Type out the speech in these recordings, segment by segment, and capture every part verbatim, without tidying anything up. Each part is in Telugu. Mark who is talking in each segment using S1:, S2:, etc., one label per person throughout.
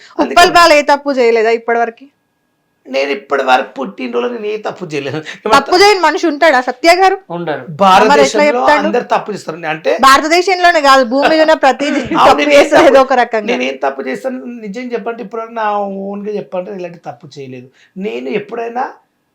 S1: ఉప్పల్ బాలు ఏ తప్పు చేయలేదా ఇప్పటి వరకు?
S2: నేను ఇప్పటి వరకు పుట్టినరోజు నేను ఏ తప్పు చేయలేదు.
S1: తప్పు చేయని మనిషి ఉంటాడా సత్య గారు?
S3: ఉండరు.
S2: భారతదేశంలో అందరు తప్పు చేస్తారు. అంటే
S1: భారతదేశంలోనే కాదు, భూమి మీద ఉన్న ప్రతి తప్పు చేస్తారు ఏదో ఒక రకంగా.
S2: నేనేం తప్పు చేస్తాను నిజం చెప్పంటే ఇప్పుడు నా ఓన్ గా చెప్పంటే ఇలాంటి తప్పు చేయలేదు. నేను ఎప్పుడైనా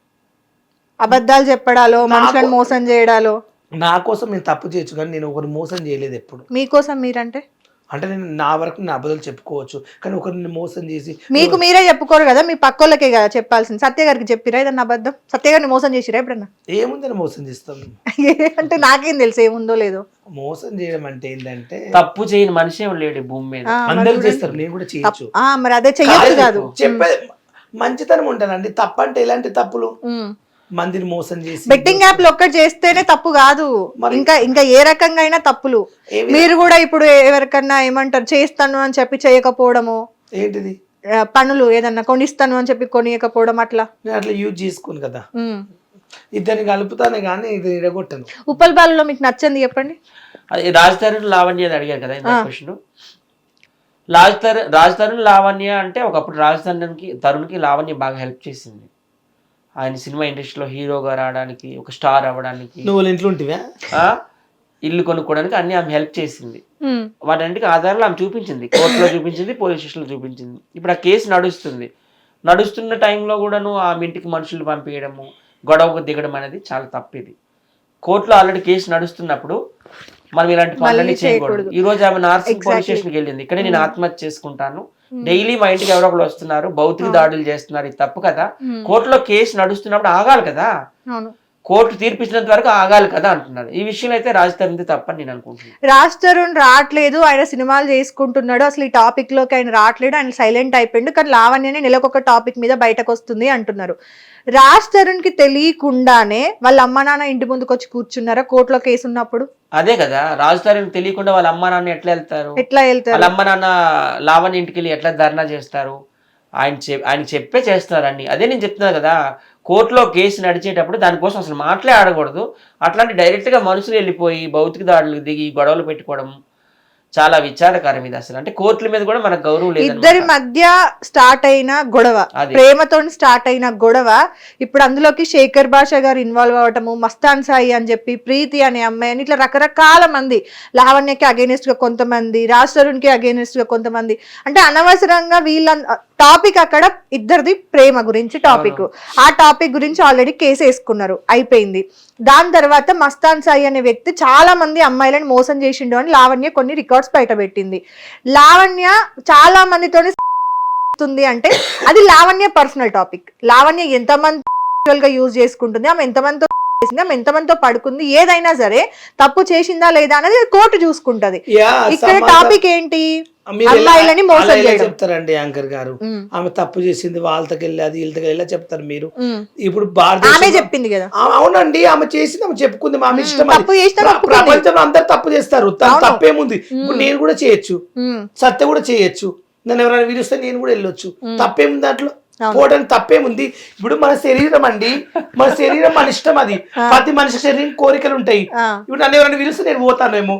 S1: అబద్ధాలు చెప్పడాలో, మనుషులను మోసం చేయడాలో.
S2: నా కోసం నేను తప్పు చేయొచ్చు కానీ నేను ఒకరిని మోసం చేయలేదు ఎప్పుడు.
S1: మీకోసం మీరంటే
S2: అంటే నేను నా వరకు నా అబద్ధాలు చెప్పుకోవచ్చు కానీ ఒకరిని మోసం చేసి
S1: మీకు మీరే చెప్పుకోరు కదా, మీ పక్కోళ్ళకే కదా చెప్పాల్సింది. సత్య గారికి చెప్పిరా ఏదన్నా అబద్ధం? సత్య గారిని మోసం చేసిరా ఎప్పుడన్నా?
S2: ఏముందని మోసం చేస్తాం
S1: అంటే నాకేం తెలుసు ఏముందో లేదో.
S2: మోసం చేయడం అంటే ఏంటంటే
S3: తప్పు చేయని మనిషి ఏం లేడు భూమి మీద.
S2: అందరూ చేస్తారు, నేను కూడా చేయొచ్చు.
S1: మరి అదే చెయ్యొచ్చు కాదు.
S2: చెప్పే మంచితనం ఉంటానండి. తప్పు అంటే ఎలాంటి తప్పులు? మందిని మోసం చేసి
S1: బెట్టింగ్ యాప్ లో ఒక్కటి చేస్తేనే తప్పు కాదు, ఇంకా ఇంకా ఏ రకంగా అయినా తప్పులు. మీరు కూడా ఇప్పుడు ఎవరికన్నా ఏమంటారు చేస్తాను అని చెప్పి చేయకపోవడము,
S2: ఏంటిది
S1: పనులు ఏదన్నా కొనిస్తాను అని చెప్పి కొనియకపోవడం, అట్లా
S2: నేను అట్లా యూజ్ చేసుకోను కదా. ఇద్దరిని కలుపుతానే కానీ ఇది ఇడగొట్టను.
S1: ఉప్పల్ బాలులో మీకు నచ్చింది చెప్పండి.
S3: అది రాజ్ తరుణ్ లావణ్య అడిగారు కదా ఇంత క్వశ్చన్. రాజ్ తరుణ్ రాజ్ తరుణ్ లావణ్య అంటే ఒకప్పుడు రాజ్ తరుణ్కి తరుణ్కి లావణ్య బాగా హెల్ప్ చేసింది. ఆయన సినిమా ఇండస్ట్రీలో హీరోగా రావడానికి, ఒక స్టార్ అవ్వడానికి,
S2: నువ్వు ఇంట్లో ఉంటివా
S3: ఇల్లు కొనుక్కోవడానికి అన్ని ఆమె హెల్ప్ చేసింది. వాటన్నిటికి ఆధారాలు ఆమె చూపించింది, కోర్టులో చూపించింది, పోలీస్ స్టేషన్లో చూపించింది. ఇప్పుడు ఆ కేసు నడుస్తుంది. నడుస్తున్న టైంలో కూడాను ఆమె ఇంటికి మనుషులు పంపించడము, గొడవకు దిగడం అనేది చాలా తప్పిది. కోర్టులో ఆల్రెడీ కేసు నడుస్తున్నప్పుడు మనం ఇలాంటి పనులన్నీ చేయకూడదు. ఈ రోజు ఆమె నార్సింగ్ పోలీస్ స్టేషన్కి వెళ్ళింది, ఇక్కడే నేను ఆత్మహత్య చేసుకుంటాను, డైలీ మా ఇంటికి ఎవరో ఒకరు వస్తున్నారు, భౌతిక దాడులు చేస్తున్నారు, ఇది తప్పు కదా. కోర్టులో కేసు నడుస్తున్నప్పుడు ఆగాలి కదా, కోర్టు తీర్పిచ్చినంత వరకు ఆగాలి కదా అంటున్నారు. ఈ విషయంలో అయితే రాజ్ తరుణ్ తప్పని నేను అనుకుంటున్నాను.
S1: రాజ్ తరుణ్ రావట్లేదు, ఆయన సినిమాలు చేసుకుంటున్నాడు, అసలు ఈ టాపిక్ లోకి ఆయన రావట్లేదు, ఆయన సైలెంట్ అయిపోయిండు, కానీ లావణ్యనే నెలకొక టాపిక్ మీద బయటకు వస్తుంది అంటున్నారు. రాజ్ తరుణ్ కి తెలియకుండానే వాళ్ళ అమ్మ నాన్న ఇంటి ముందుకు వచ్చి కూర్చున్నారా కోర్టులో కేసు ఉన్నప్పుడు?
S3: అదే కదా, రాజ్ తరుణ్ తెలియకుండా వాళ్ళ అమ్మ నాన్న ఎట్లా వెళ్తారు?
S1: ఎట్లా వెళ్తారు?
S3: వాళ్ళ అమ్మ నాన్న లావణ్య ఇంటికి వెళ్ళి ఎట్లా ధర్నా చేస్తారు? ఆయన చె ఆయన చెప్పే చేస్తున్నారండి. అదే నేను చెప్తున్నా కదా, కోర్టులో కేసు నడిచేటప్పుడు దానికోసం అసలు మాటలే ఆడకూడదు. అట్లాంటి డైరెక్ట్గా మనుషులు వెళ్ళిపోయి భౌతిక దాడులు దిగి గొడవలు పెట్టుకోవడం చాలా విచారకరం ఇది. అసలు అంటే కోర్టుల మీద కూడా మనకు గౌరవం లేదు.
S1: ఇద్దరి మధ్య స్టార్ట్ అయిన గొడవ, ప్రేమతో స్టార్ట్ అయిన గొడవ, ఇప్పుడు అందులోకి శేఖర్ భాష గారు ఇన్వాల్వ్ అవటము, మస్తాన్ సాయి అని చెప్పి, ప్రీతి అనే అమ్మాయి అని, ఇట్లా రకరకాల మంది, లావణ్యకి అగేనిస్ట్ గా కొంతమంది, రాజ్ తరుణ్ కి అగేనిస్ట్ గా కొంతమంది, అంటే అనవసరంగా వీళ్ళ టాపిక్ అక్కడ ఇద్దరిది ప్రేమ గురించి టాపిక్, ఆ టాపిక్ గురించి ఆల్రెడీ కేసు వేసుకున్నారు, అయిపోయింది. దాని తర్వాత మస్తాన్ సాయి అనే వ్యక్తి చాలా మంది అమ్మాయిలను మోసం చేసిండు అని లావణ్య కొన్ని రికార్డ్స్ బయట పెట్టింది. లావణ్య చాలా మందితోని అంటే అది లావణ్య పర్సనల్ టాపిక్. లావణ్య ఎంతమంది గా యూజ్ చేసుకుంటుంది, ఆమె ఎంతమందితో చేసింది, ఆమె ఎంతమందితో పడుకుంది, ఏదైనా సరే తప్పు చేసిందా లేదా అనేది కోర్టు చూసుకుంటది. ఇక్కడ టాపిక్ ఏంటి? అమ్మాయిలని మోసం చేయడం.
S2: చెప్తారండి యాంకర్ గారు, ఆమె తప్పు చేసింది, వాళ్ళకి వెళ్ళి అది వీళ్ళకి వెళ్ళి చెప్తారు మీరు. ఇప్పుడు
S1: ఆమె చెప్పింది కదా.
S2: అవునండి, ఆమె చేసింది, ఆమె చెప్పుకుంది, ఆమె ఇష్టం. ప్రపంచంలో అందరు తప్పు చేస్తారు, తప్పేముంది? ఇప్పుడు నేను కూడా చేయొచ్చు, సత్య కూడా చేయొచ్చు, నన్ను ఎవరైనా పిలిస్తే నేను కూడా వెళ్ళొచ్చు, తప్పేముంది దాంట్లో? పోవడానికి తప్పేముంది? ఇప్పుడు మన శరీరం అండి, మన శరీరం మన ఇష్టం, అది ప్రతి మనిషి శరీరం కోరికలు ఉంటాయి. ఇప్పుడు నన్ను ఎవరైనా పిలిస్తే నేను పోతానేమో,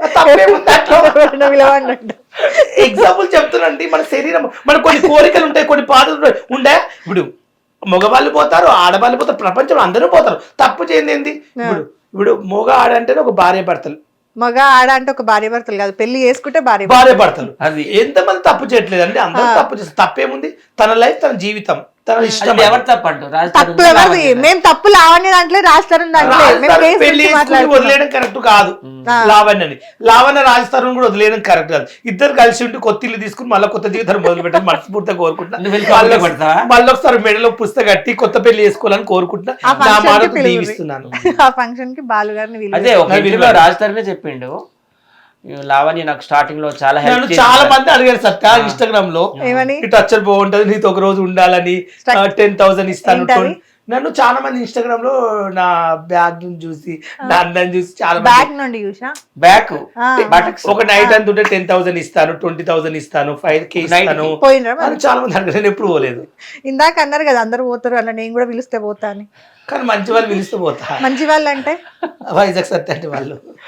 S2: ఎగ్జాంపుల్ చెప్తానండి. మన శరీరం, మన కొన్ని కోరికలు ఉంటాయి, కొన్ని బాధలు ఉండే. ఇప్పుడు మగవాళ్ళు పోతారు, ఆడవాళ్ళు పోతారు, ప్రపంచంలో అందరూ పోతారు, తప్పు చేయండి ఏంది? ఇప్పుడు ఇప్పుడు మగ ఆడ అంటేనే ఒక భార్య భర్తలు,
S1: మగ ఆడ అంటే ఒక భార్య భర్తలు కాదు, పెళ్లి చేసుకుంటే భార్య
S2: భార్య భర్తలు. అది ఎంతమంది తప్పు చేయట్లేదు అండి, అందరూ తప్పు చేస్తారు. తప్పేముంది? తన లైఫ్, తన జీవితం, తన ఇష్టం.
S3: ఎవరు తప్పంటు?
S1: తప్పు ఎవరిది? మేము తప్పు లావణ్య దాంట్లో రాజతరుణ్ దాంట్లో
S2: పెళ్లి వదిలేయడం కరెక్ట్ కాదు. లావణ్యని లావణ్య రాజతరుణ్ కూడా వదిలేయడం కరెక్ట్ కాదు. ఇద్దరు కలిసి ఉండి కొత్త ఇల్లు తీసుకుని మళ్ళీ కొత్త జీవితాన్ని మొదలు పెట్టాలి మనస్ఫూర్తిగా కోరుకుంటున్నా. మళ్ళీ ఒకసారి మెడలో పుస్తకం కట్టి కొత్త పెళ్లి చేసుకోవాలని కోరుకుంటున్నా. నా మాట దీవిస్తున్నాను.
S1: ఆ ఫంక్షన్ కి బాలు గారిని
S3: అదే ఒక రాజతరుణే చెప్పిండు, లావణ్య నాకు స్టార్టింగ్ లో చాలా హెల్ప్.
S2: చాలా మంది అడిగారు సత్య ఇన్స్టాగ్రామ్ లో, టచ్ బాగుంటది, నీతో ఒక రోజు ఉండాలని, టెన్ థౌసండ్ ఇస్తాను. నన్ను చాలా మంది ఇన్స్టాగ్రామ్ లో నా బ్యాగ్ చూసి, నా అందం చూసి చాలా
S1: బ్యాగ్ నుండి చూసా,
S2: బ్యాగ్ ఒక నైట్ అంత ఉంటే టెన్ థౌసండ్ ఇస్తాను, ట్వంటీ థౌసండ్ ఇస్తాను, ఫైవ్ కే ఇస్తాను అని చాలా మంది అడిగారు. నేను ఎప్పుడు పోలేదు.
S1: ఇందాక అన్నారు కదా అందరు పోతారు అలా, నేను కూడా పిలిస్తే పోతా అని.
S2: కానీ మంచి వాళ్ళు పిలిస్తే పోతా.
S1: మంచి వాళ్ళు అంటే
S2: వైజాగ్ సత్య అంటే వాళ్ళు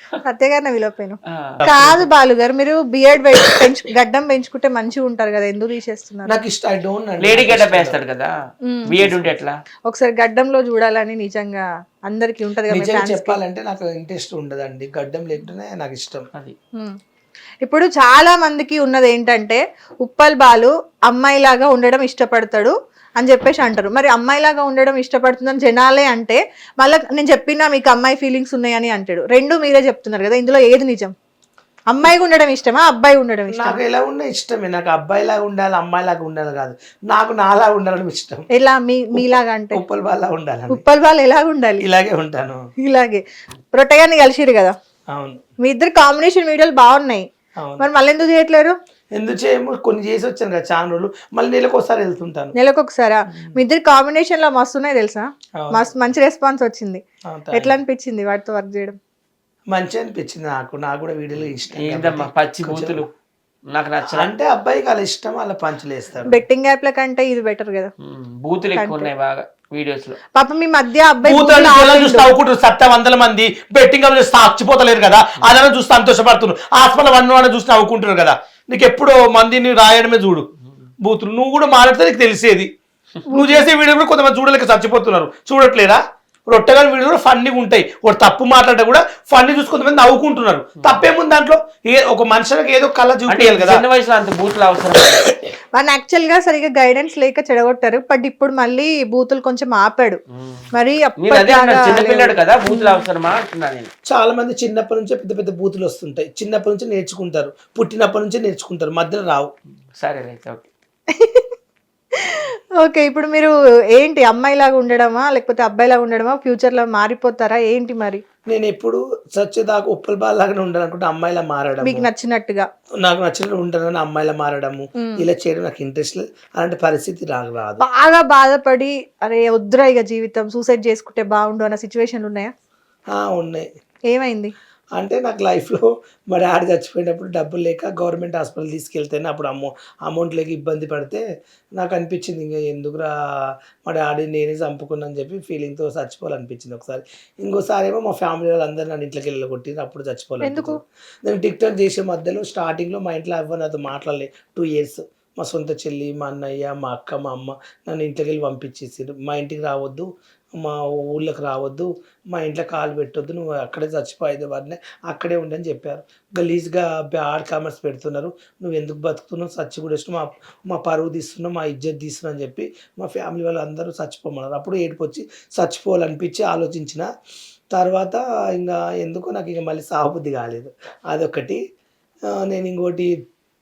S1: సత్యగారిని విలోపోయాను. కాదు బాలు గారు, మీరు బియర్డ్ పెంచు గడ్డం పెంచుకుంటే మంచిగా ఉంటారు కదా, ఎందుకు తీసేస్తున్నారు?
S2: నాకు ఇష్టం, ఐ డోంట్.
S3: లేడీ గడ్డం వేస్తాడు కదా, బియర్డ్ ఉంటే ఎట్లా?
S1: ఒకసారి గడ్డంలో చూడాలని నిజంగా అందరికి ఉంటది కదా.
S2: నిజంగా చెప్పాలంటే నాకు ఇంట్రెస్ట్ ఉండదండి, గడ్డం లేకుంటేనే నాకు ఇష్టం.
S3: అది
S1: ఇప్పుడు చాలా మందికి ఉన్నది ఏంటంటే ఉప్పల్ బాలు అమ్మాయిలాగా ఉండడం ఇష్టపడతాడు అని చెప్పేసి అంటారు. మరి అమ్మాయిలాగా ఉండడం ఇష్టపడుతుందని జనాలే అంటే మళ్ళీ నేను చెప్పినా మీకు అమ్మాయి ఫీలింగ్స్ ఉన్నాయని అంటాడు. రెండు మీరే చెప్తున్నారు కదా, ఇందులో ఏది నిజం? అమ్మాయిగా ఉండడం ఇష్టమా, అబ్బాయి ఉండడం ఇష్టం?
S2: నాకు ఎలా ఉన్నా ఇష్టమే, నాకు అబ్బాయిలాగా ఉండాలి అమ్మాయిలాగా ఉండాలి కాదు, నాకు నాలా ఉండడం ఇష్టం.
S1: ఎలా మీ మీలాగా అంటే?
S2: ఉప్పల్ బాలా ఉండాలి.
S1: ఉప్పల్ బాలు ఎలాగ ఉండాలి?
S2: ఇలాగే ఉంటాను.
S1: ఇలాగే. రొట్టెగాన్ని కలిసిరు కదా,
S2: అవును.
S1: మీ ఇద్దరు కాంబినేషన్ వీడియోలు బాగున్నాయి, మరి మళ్ళీ ఎందుకు చేయట్లేరు?
S2: ఎందుకు చేయము, కొన్ని చేసి వచ్చాను కదా చాలా రోజులు, మళ్ళీ నెలకు ఒకసారి వెళ్తుంటాను.
S1: నెలకు ఒకసారా? మీ ఇద్దరు కాంబినేషన్ లో మస్తు ఉన్నాయి తెలుసా, మస్తు మంచి రెస్పాన్స్ వచ్చింది. ఎట్లా అనిపించింది వాటితో వర్క్ చేయడం?
S2: మంచిగా అనిపించింది నాకు, నాకు కూడా వీడియోలు ఇష్టం.
S3: ఏంటమ్మా పచ్చి బూతులు నాకు నచ్చ
S2: అంటే అబ్బాయికి అలా ఇష్టం, అలా పంచులు వేస్తారు.
S1: బెట్టింగ్ యాప్ ల కంటే ఇది బెటర్ కదా,
S3: బూతులు ఎక్కువ ఉన్నాయి బాగా వీడియోస్ లో.
S1: పాప మీ మధ్య అబ్బాయి
S2: చూస్తే నవ్వుకుంటారు, సత్త వందల మంది బెట్టింగ్ సాక్షిపోతలేరు కదా, అదన చూస్తే సంతోషపడుతున్నారు. హాస్పిటల్ వన్ వన్ చూసి నవ్వుకుంటున్నారు కదా. నీకు ఎప్పుడు మందిని రాయడమే చూడు బూతులు, నువ్వు కూడా మాట్లాడితే నీకు తెలిసేది. నువ్వు చేసే వీడియో కూడా కొంతమంది చూడలేక చచ్చిపోతున్నారు, చూడట్లేదా? రొట్టెగా వీడియో కూడా ఫన్నీగా ఉంటాయి, ఒక తప్పు మాట్లాడితే కూడా ఫన్నీ చూసి కొంతమంది నవ్వుకుంటున్నారు. తప్పేముంది దాంట్లో? ఏ ఒక మనుషులకు ఏదో కళ చూపించాలి కదా.
S3: చిన్న వయసులో అంత బూతులు అవసరం.
S1: మన యాక్చువల్ గా సరిగా గైడెన్స్ లేక చెడగొట్టారు, బట్ ఇప్పుడు మళ్ళీ బూతులు కొంచెం ఆపాడు. మరి
S3: చిన్నపిల్లాడు కదా, బూతులు అవసరమా అంటున్నా నేను.
S2: చాలా మంది చిన్నప్పటి నుంచే పెద్ద పెద్ద బూతులు వస్తుంటాయి, చిన్నప్పటి నుంచి నేర్చుకుంటారు, పుట్టినప్పటి నుంచే నేర్చుకుంటారు, మధ్యలో రావు.
S3: సరే రైట్, ఓకే.
S1: ఓకే, ఇప్పుడు మీరు ఏంటి అమ్మాయిలాగా ఉండడమా లేకపోతే అబ్బాయిలాగా ఉండడమా, ఫ్యూచర్ లో మారిపోతారా ఏంటి మరి?
S2: నేను ఎప్పుడు సచ్చేదాకా ఉప్పల్ బాల్ లాగానే ఉండాలనుకుంటే అమ్మాయిలా మారడం,
S1: మీకు నచ్చినట్టుగా
S2: నాకు నచ్చినట్టు ఉంటానని అమ్మాయిలా మారడము, ఇలా చేయడం నాకు ఇంట్రెస్ట్ లేదు. అలాంటి పరిస్థితి నాకు రాదు.
S1: బాగా బాధపడి అరే వద్దురా ఇక జీవితం సూసైడ్ చేసుకుంటే బాగుండు అన్న సిచ్యువేషన్లు ఉన్నాయా?
S2: ఉన్నాయి.
S1: ఏమైంది
S2: అంటే నాకు లైఫ్లో మా డాడీ చచ్చిపోయినప్పుడు డబ్బులు లేక గవర్నమెంట్ హాస్పిటల్ తీసుకెళ్తేనే అప్పుడు అమౌ అమౌంట్ లేక ఇబ్బంది పడితే నాకు అనిపించింది ఇంకా ఎందుకురా మా డాడీ నేనే చంపుకున్నాను చెప్పి ఫీలింగ్తో చచ్చిపోవాలనిపించింది ఒకసారి. ఇంకోసారి ఏమో మా ఫ్యామిలీ వాళ్ళందరూ నన్ను ఇంట్లోకి వెళ్ళగొట్టింది, అప్పుడు చచ్చిపోవాలి. నేను టిక్ టాక్ చేసే మధ్యలో స్టార్టింగ్లో మా ఇంట్లో ఎవరు నాతో మాట్లాడలేదు టూ ఇయర్స్. మా సొంత చెల్లి, మా అన్నయ్య, మా అక్క, మా అమ్మ నన్ను ఇంట్లోకి వెళ్ళి పంపించేసారు. మా ఇంటికి రావద్దు, మా ఊళ్ళోకి రావద్దు, మా ఇంట్లో కాలు పెట్టొద్దు, నువ్వు అక్కడే చచ్చిపోయేది వాడిని అక్కడే ఉండని చెప్పారు. గలీజ్గా బ్యాడ్ కామెంట్స్ పెడుతున్నారు, నువ్వు ఎందుకు బతుకుతున్నావు, చచ్చి కూడా ఇష్టం, మా మా పరువు తీస్తున్నావు, మా ఇజ్జత్ తీస్తున్నావు అని చెప్పి మా ఫ్యామిలీ వాళ్ళు అందరూ చచ్చిపోమన్నారు. అప్పుడు ఏడుపు వచ్చి చచ్చిపోవాలనిపించి ఆలోచించిన తర్వాత ఇంకా ఎందుకో నాకు ఇంకా మళ్ళీ సాగుబుద్ధి కాలేదు. అదొకటి. నేను ఇంకోటి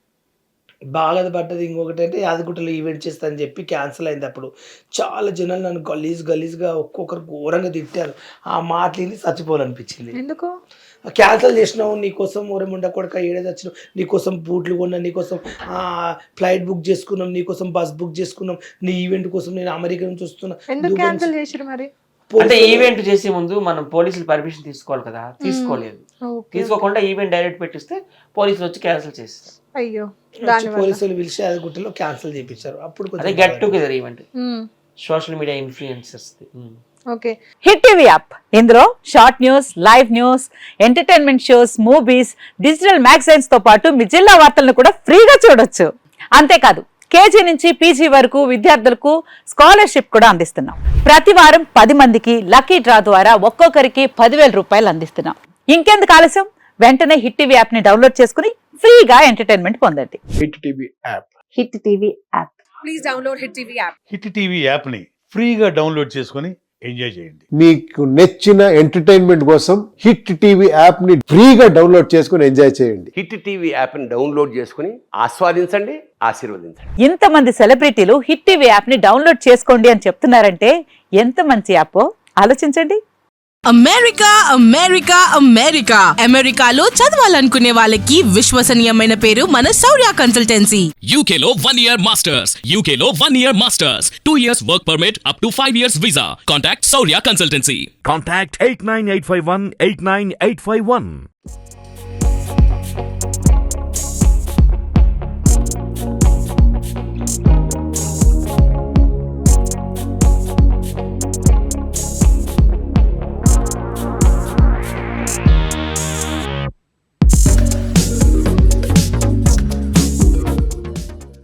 S2: బాధపడ్డది ఇంకొకటి అంటే యాదగుట్టలో ఈవెంట్ చేస్తానని చెప్పి క్యాన్సిల్ అయింది. అప్పుడు చాలా జనాలు నన్ను గలీజ్ గలీజ్గా ఒక్కొక్కరు ఘోరంగా తిట్టారు. ఆ మాటలు చచ్చిపోవాలనిపించింది.
S1: ఎందుకు
S2: క్యాన్సిల్ చేసినావు, నీకోసం ఊరేముండ కొడక ఏడేది వచ్చినావు, నీకోసం బూట్లు కొన్నా, నీకోసం ఫ్లైట్ బుక్ చేసుకున్నాం, నీకోసం బస్ బుక్ చేసుకున్నాం, నీ ఈవెంట్ కోసం నేను అమెరికా నుంచి వస్తున్నా.
S1: ఎందుకు క్యాన్సిల్ చేసిరు మరి?
S3: అంటే ఈవెంట్ చేసే ముందు మనం పోలీసులు పర్మిషన్ తీసుకోవాలి కదా, తీసుకోలేదు. తీసుకోకుండా ఈవెంట్ డైరెక్ట్ పెట్టిస్తే పోలీసులు వచ్చి క్యాన్సిల్ చేస్తారు.
S1: అయ్యో,
S2: పోలీసులు పిలిచి అది గుట్టలో క్యాన్సిల్ చేయించారు. అప్పుడు
S3: అదే get together event, social media influencers.
S1: Okay,
S4: hit TV app, ఇందులో short news, live news, entertainment shows, movies, digital magazines తో పాటు మీ జిల్లా వార్తలను కూడా ఫ్రీగా చూడొచ్చు. అంతేకాదు కేజీ నుంచి పీజీ వరకు విద్యార్థులకు స్కాలర్షిప్ కూడా అందిస్తున్నాం. ప్రతి వారం పది మందికి లక్కీ డ్రా ద్వారా ఒక్కొక్కరికి పదివేల రూపాయలు అందిస్తున్నాం. ఇంకెందుకు ఆలస్యం, వెంటనే హిట్ టీవీ యాప్ ని డౌన్లోడ్ చేసుకుని ఫ్రీగా ఎంటర్టైన్మెంట్ పొందండి.
S5: Hit TV app,
S4: hit TV app,
S6: please download hit TV app.
S5: Hit TV app ని ఫ్రీగా డౌన్లోడ్ చేసుకుని ఎంజాయ్ చేయండి.
S7: మీకు నచ్చిన ఎంటర్టైన్మెంట్ కోసం హిట్ టీవీ యాప్ ని ఫ్రీగా డౌన్లోడ్ చేసుకుని ఎంజాయ్ చేయండి.
S8: హిట్ టీవీ యాప్ ని డౌన్లోడ్ చేసుకుని ఆస్వాదించండి, ఆశీర్వదించండి.
S4: ఇంతమంది సెలబ్రిటీలు హిట్ టీవీ యాప్ ని డౌన్లోడ్ చేసుకోండి అని చెప్తున్నారంటే ఎంత మంచి యాప్ ఆలోచించండి.
S6: అమెరికా అమెరికా అమెరికా అమెరికాలో చదవాలనుకునే వాళ్ళకి విశ్వసనీయమైన పేరు మన శౌర్య కన్సల్టెన్సీ.
S9: U K లో one year masters, U K లో one year masters, two years work permit up to five years visa. Contact Saurya Consultancy.
S10: Contact eight nine eight five one eight nine eight five one.